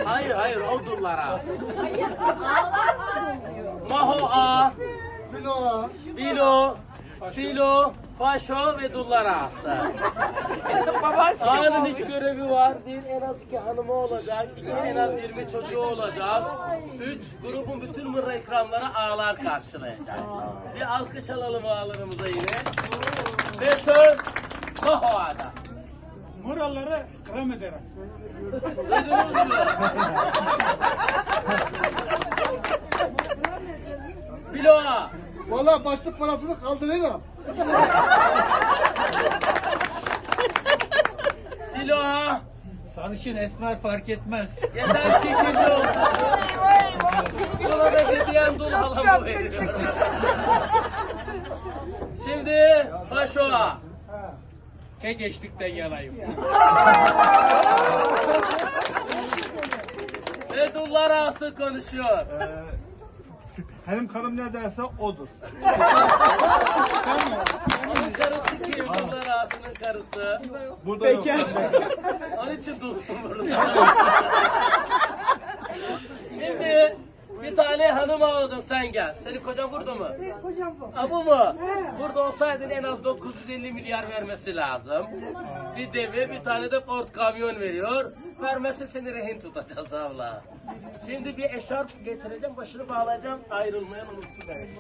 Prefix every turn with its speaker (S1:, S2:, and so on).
S1: Hayır o dullar ağası. Maho A, Bilo, Silo, Faşo ve dullar ağası. Ağanın hiç görevi var. Bir, en az 2 hanımı olacak. 2, en az 20 çocuğu olacak. 3, grubun bütün mırra ikramları ağalar karşılayacak. Bir alkış alalım ağalarımıza yine. Ve söz Maho Ağa'da.
S2: Muralları kram ederiz.
S1: Duydunuz mu? Bilo Ağa.
S3: Valla başlık parasını kaldırırım.
S1: Silo Ağa.
S2: Sarışın esmer fark etmez.
S1: Yeter ki kirli olsun. Buna da hediyen dul halamı veriyorum. Şimdi Faşo Ağa.
S2: Ke geçtikten yanayım.
S1: Ve dullar ağası konuşuyor.
S3: Benim karım ne derse odur.
S1: Onun karısı kim? Dullar ağasının karısı.
S3: Burada yok.
S1: Onun için dulsun burada. Şimdi bir tane hanım aldım, sen gel. Senin kocan burada mı?
S4: Kocam bu.
S1: Ha bu mu? Burada olsaydın en az 950 milyar vermesi lazım. Bir deve, bir tane de Ford kamyon veriyor. Vermezse seni rehin tutacağız abla. Şimdi bir eşarp getireceğim, başını bağlayacağım. Ayrılmayan unuttu beni.